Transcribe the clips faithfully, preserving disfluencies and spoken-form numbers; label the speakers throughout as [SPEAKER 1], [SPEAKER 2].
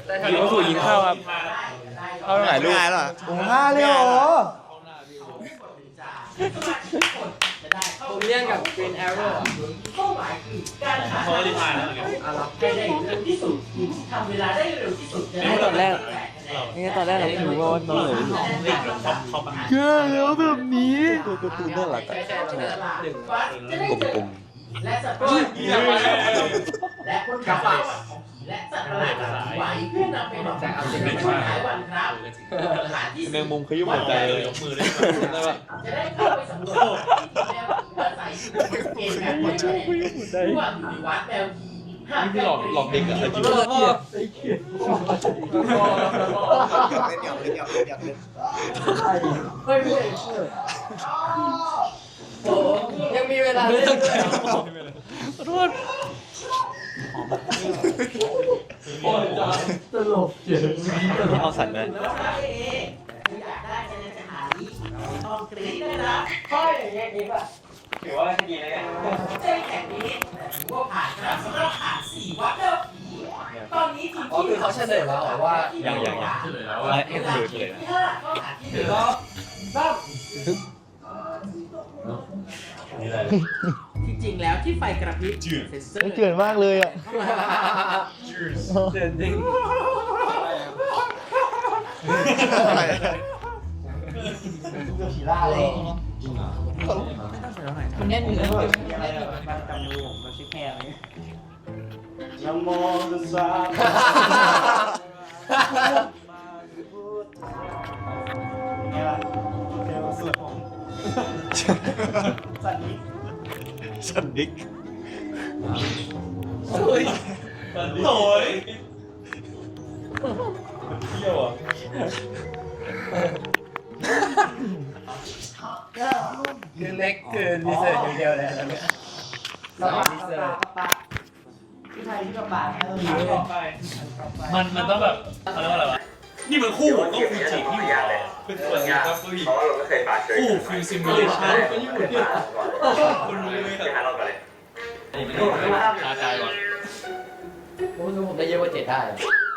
[SPEAKER 1] หิวสู่ยินข้าวครับข้าวไหนลูกโอ้ห้าเลยเหรอ
[SPEAKER 2] ผมเรียนกับ Green Arrow
[SPEAKER 3] เป้าหมายคือการหาทางให้ได้เร็วที่สุดทำเวลาได้เร็วที่สุดจะได้
[SPEAKER 2] ตอนแรกนี่ตอนแรกเราไม่รู้ว่าน้องเหลืออยู่
[SPEAKER 1] แค่แล้วแบบนี้ตัวการ์ตูนน่ารักอะกลม
[SPEAKER 3] และสัตว์ประหลาดและคนขับรถและสัตว์ประหลาดไหวเพื่อนำไปหลอกแต่เอาสิ่งที่หายวันครับสถานที่
[SPEAKER 1] ๆแมงมุมขยุ้มหัวใจเลยยกมือได้
[SPEAKER 3] จะได้เข้าไปสำรวจแล้วอาศัยเกมแบบนี้ระหว่างอยู่ในวัดแมวนี่พี่หลอกหลอกเด็กอะไอ้จิ๊บเกียร์ไอ้เกียร์เล่นหยอกเล่นหยอกเล่นหยอกเล่นเฮ้ยไม่โอ้ยังมีเวลาเล่นขอโทษตลกเจ๋ง
[SPEAKER 1] เอาสั่นเลย
[SPEAKER 3] อยากได้จะเลยจะหาลีต้องกรี๊ดด้วยนะค่อยอย่างเงี้ยดีป่ะถือว่าดีเลยเนี่ยเส้นแข่งนี้ถือว่าผ่านครับสำหรับผ่านสี่วัดแล้วตอนนี้ทีมที่เขาเฉลยแล้วว่า
[SPEAKER 1] ยังยังยังเฉลยแล้วว่าเอ็นดูเฉลย
[SPEAKER 3] ที่ห้าก็หาที่เหลือบ้างจริงๆแล้วที่ไฟกระพริบเซ็นเซอร์
[SPEAKER 1] เจือนมากเลยอ่ะ
[SPEAKER 2] เจ๋งจริง
[SPEAKER 3] ผีล่าเลยมันแน่นอยู่เลยอะไรมันจำมือผมมันชิคแพรเลยยังมองดูซ้ำไงล่ะเดี๋ยวสุดผมสันนิษ
[SPEAKER 1] สันดิก
[SPEAKER 2] โอ้ยโถ่
[SPEAKER 1] เที่ยวอ่ะ
[SPEAKER 2] คือเล็กคือดีเซอร์อย่างเดียวเลยแล้วเนี่ยเราดีเซอร์
[SPEAKER 3] ที่ไทยที่กระบะ
[SPEAKER 4] มันมันต้องแบบเขาเรียกว่าอะไรวะนี่มันคู่ต้องฟิวจีที่อยู่เลยเป็นส่วนยาเพราะว่าเราไม่เคยมาเจอคู่ฟิวซิมูเลชั่นก็ญี่ปุ่นเนี่ยคุณรู้ไหมครับหาเราก่อนเลยชาใจก่อน
[SPEAKER 2] ผมผมได้เยอะกว่าเจ็ดได้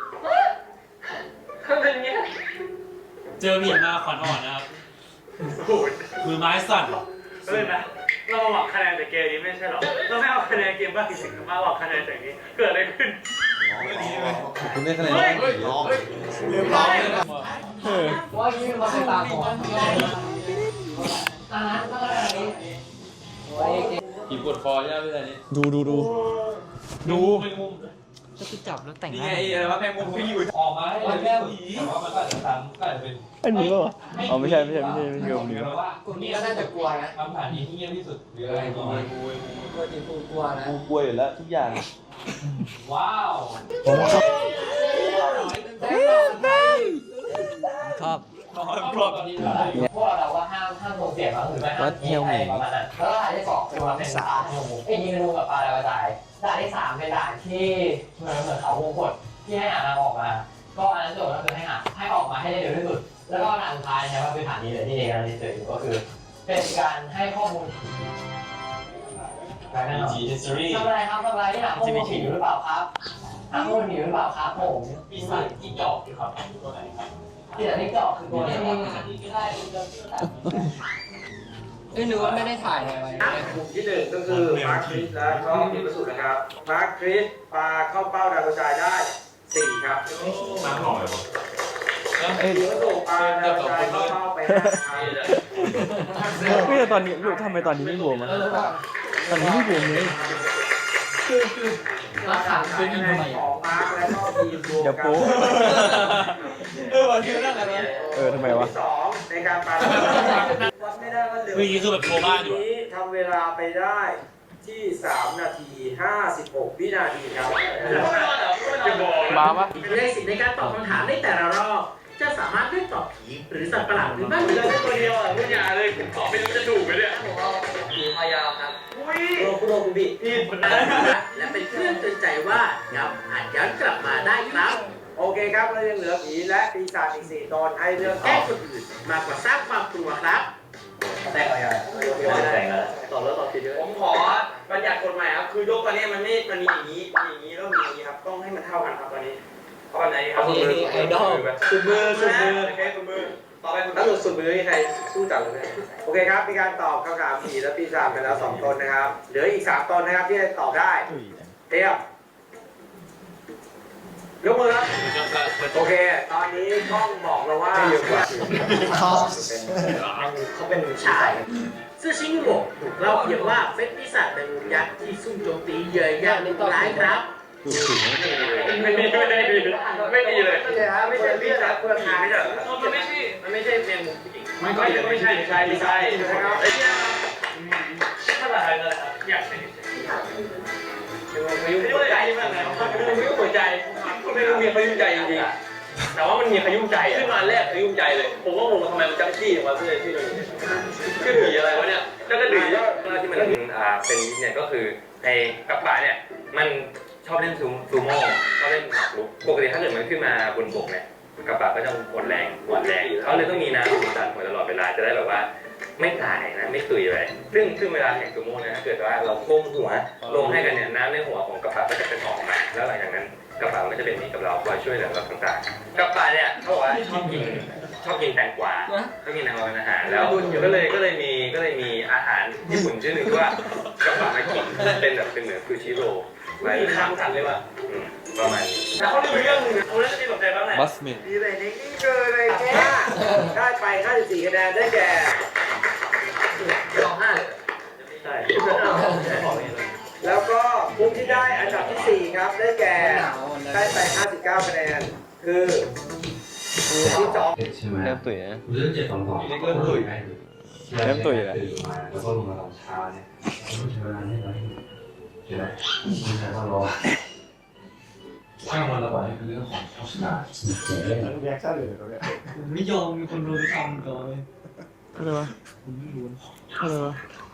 [SPEAKER 4] เจอมีมาขวัญอ่อนนะครับมือไม้สั่น
[SPEAKER 5] เออนะเราหวังคะแนนจากเกมนี้ไม่ใช่หรอเราไม่เอาคะแนนเกมบ้างสิมาหวังคะแนนจากนี้เกิดอะไรขึ้น
[SPEAKER 1] คุณได้คะแนนร้อง
[SPEAKER 2] เรียบร้อยว่ายี่มาเป็นตาของอ่าก็อะไร
[SPEAKER 4] ผีปวดคอใช่ไหมพี่ชายนี่
[SPEAKER 1] ดูดูดูดู
[SPEAKER 2] ก็คือจับแล้วแต่ง
[SPEAKER 4] นี่ไงอะไรวะแมงมุมที่อยู่ออกมาให้แก้วผีแต่ว่ามันก็อาจจะซ้ำก็อาจจะเป็น
[SPEAKER 1] ไอ้หนูเหรออ๋อไม่ใช่ไม่ใช่ไม่ใช่ไม่ใช่ผมนี่
[SPEAKER 2] กลุ่มนี้ก็น่าจะกลัวนะ
[SPEAKER 4] คำถามนี้ที่เงียบที่สุดหรืออะไรกลัวกลัว
[SPEAKER 2] กลัวจริงกลัวนะ
[SPEAKER 1] กูกลัวอยู่แล้วทุกอย่าง
[SPEAKER 4] ว้าว
[SPEAKER 2] ชอบ
[SPEAKER 4] พร้อม
[SPEAKER 3] พวกเราว่าห้ามห้ามส่งเสียงหรือไม่ห้ามยิงอะไรประมาณนั้นแล้วด่านที่สองคือว่าเป็นด่านไอ้ยิงงูกับปลาอะไรกระจายด่านที่สามเป็นด่านที่เหมือนเหมือนเขาวงกดที่ให้หาทางออกมาก็อันนั้นโจทย์ก็คือให้หาให้ออกมาให้ได้เร็วที่สุดแล้วก็ด่านสุดท้ายใช่ว่าเป็นฐานนี้เลยที่เด็กกำลังเจออยู่ก็คือเป็นการให้ข้อมูลทำอะไรครับทำอะไรที่หาข้อมูลผิดหรือเปล่าครับหาข้อมูลผิดหรือเปล่าครับผมมีสายที่จอกอยู่ครับตัวไหนครับที่แต่ที่จอกคือตัวนี้ไม่ได้
[SPEAKER 2] เอ้ยนึกว่าไม่ได้ถ่ายอะไรไว้
[SPEAKER 5] กลุ่มที่หนึ่งก็คือมาร์คคริสและก็มีประสูตรนะครับมาร์คคริสปาเข้าเป้าดาวกระจายได้สี่ครับ
[SPEAKER 4] มาหน่อยวะ
[SPEAKER 5] เอ้ยประสูตรปาดาวกระจายเข้าเป้าไปห้า
[SPEAKER 1] ไม่แต่ตอนนี้ทำไมตอนนี้ไม่รวมอ่ะตอนนี้ไม่รวมเลย
[SPEAKER 2] คือคือราคาเป็นยังไง
[SPEAKER 5] ของมาร์คและก็ทีมรวมกัน
[SPEAKER 2] เออวันที่นั่งอะไร
[SPEAKER 1] เออทำไมวะ
[SPEAKER 5] สองในการปาดาวกระจายวัดไม่ได้ว่าเร็ว
[SPEAKER 4] นี่คือแบบโคม่าอยู่
[SPEAKER 5] นี้ทำเวลาไปได้ที่สามนาทีห้าสิบหกวินาทีครับ
[SPEAKER 1] มาปะ
[SPEAKER 3] เป็นเลขสิบในการตอบคำถามในแต่ละรอบจะสามารถเลือกตอบผีหรือสัตว์ประหลาดหรือไม่หรือจะ
[SPEAKER 5] ตัวเดียวอ่ะพูดยาเลยผมตอบไม่รู้จะถูกไหมเนี่ย
[SPEAKER 2] ผมเอาผีพายาวครับ
[SPEAKER 5] อุ้ยโรคุโรคุบิ
[SPEAKER 3] พี่คนนั้นและเป็นเครื่องเตือนใจว่าย้ำอาจย้อนกลับมาได้ครับ
[SPEAKER 5] โอเคครับเรายังเหลือผีและปีศาจอีกสี่ตนให้เลือก
[SPEAKER 3] แก้คนอื่นมากกว่าสร้างความกลัวครับ
[SPEAKER 5] แต่งอะไรอ่ะแต่งแล้วตอบแล้วตอบผิดเยอะผมขอบัญญัติกฎหมายครับคือยกตอนนี้มันไม่มันมีอย่างนี้มีอย่างนี้แล้วมีอย่างนี้ครับต้องให้มันเท่ากันครับตอนนี้ข้อไหนครับ
[SPEAKER 3] นี่นี่ไอดอล
[SPEAKER 5] สุดมือสุดมือโอเคสุดมือต่อไปคุณถ้าหลุดสุดมือมีใครสู้จับเลยโอเคครับมีการตอบคำถามสี่และปีสามไปแล้วสองตนนะครับเหลืออีกสามตนนะครับที่จะตอบได้เตรียมยกมือครับโอเคตอนนี้กล้องบอกเราว่าเยอะกว่าเขาเป็นชายซื่อชิงหมกถูกเล่าเพียงว่าเป็นปีศาจแมงมุมยักษ์ที่ซุ่มโจมตีเหยื่ออย่างร้ายครับไม่ดีไม่ดีไม่ดีเลยไม่ใช่ฮะไม่ใช่ปีศาจเพื่อนทางไม่ใช่มันไม่ใช่มันไม่ใช่แมงมุมผู้หญิงไม่ไม่ไม่ใช่ไม่ใช่ไม่ใช่นะครับไอ้เนี่ย
[SPEAKER 4] ภาษาไทยเลยครับอยากเป็น
[SPEAKER 5] พายุหัวใจมากเลยพายุหัวใจไม่รู้มีพายุใจจริงๆแต่ว่ามันมีพายุใจขึ้นมาแรกพายุใจเลยผมก็งงทำไมมันจังจี้มาเพื่อที่มันขึ้นหนีอะไรวะเนี่ยแล้วก็หนีแล้วที่มันอ่าเป็นเนี่ยก็คือไอ้กับป่าเนี่ยมันชอบเล่นซูซูโม่ชอบเล่นหมากรุกปกติถ้าเกิดมันขึ้นมาบนบกเนี่ยกับป่าก็จะหมดแรงหมดแรงเขาเลยต้องมีน้ำดันหัวตลอดเวลาจะได้แบบว่าไม่ตายนะไม่ตุยเลยซึ่งซึ่งเวลาแข่งซูโม่นะถ้าเกิดว่าเราก้มหัวลงให้กันเนี่ยน้ำในหัวของกับป่าก็จะเป็นออกมาแล้วหลังจากนั้นกับป่ามันก็จะเป็นมิตรกับเราคอยช่วยเหลือเราต่างๆกับป่าเนี่ยเขาบอกว่าชอบกินชอบกินแตงกวาชอบกินแตงกวาเป็นอาหารแล้วก็เลยก็เลยมีก็เลยมีอาหารญี่ปุ่นชื่อหนึ่งที่ว่ากับป่ามากินเป็นแบบเป็นเหมือนคือชิโร่ไว้ข้ามกันเลยว่าประมาณนี้แต่เขาเรื่องเรื่องนึงเขาเรื่องที่สนใจบ้างแหละ
[SPEAKER 1] บัสเมน
[SPEAKER 5] ดีเลยนี่นี่คือเลยแค่ได้ไปห้าสิบสี่คะแนนได้แก่สองห้าใช่แล้วก็มุมที่ได้อันดับที่สี่ครับได้แก่ได้ไปห้าสิบเก้าคะแนนคือที่สอง
[SPEAKER 6] ใช่ไหม
[SPEAKER 1] เริ่มตุ๋ยนะ
[SPEAKER 6] เรื่องเจ็ดสองสอง
[SPEAKER 1] เริ่มตุ๋ยเริ่มตุ๋ยแล้ว
[SPEAKER 6] แล้วก็ลงมาตอนเช้าเนี่ยต้องใช้เวลาให้เราใช่ไหมไม่ใช่ต้องรอช่างมันระบายคือเรื่องของโฆษณา
[SPEAKER 2] แยกซะเลยเขาเนี่ย
[SPEAKER 4] ไม่ยอมมีคนรู้ทำก่อน
[SPEAKER 1] อะไรวะอะไรวะ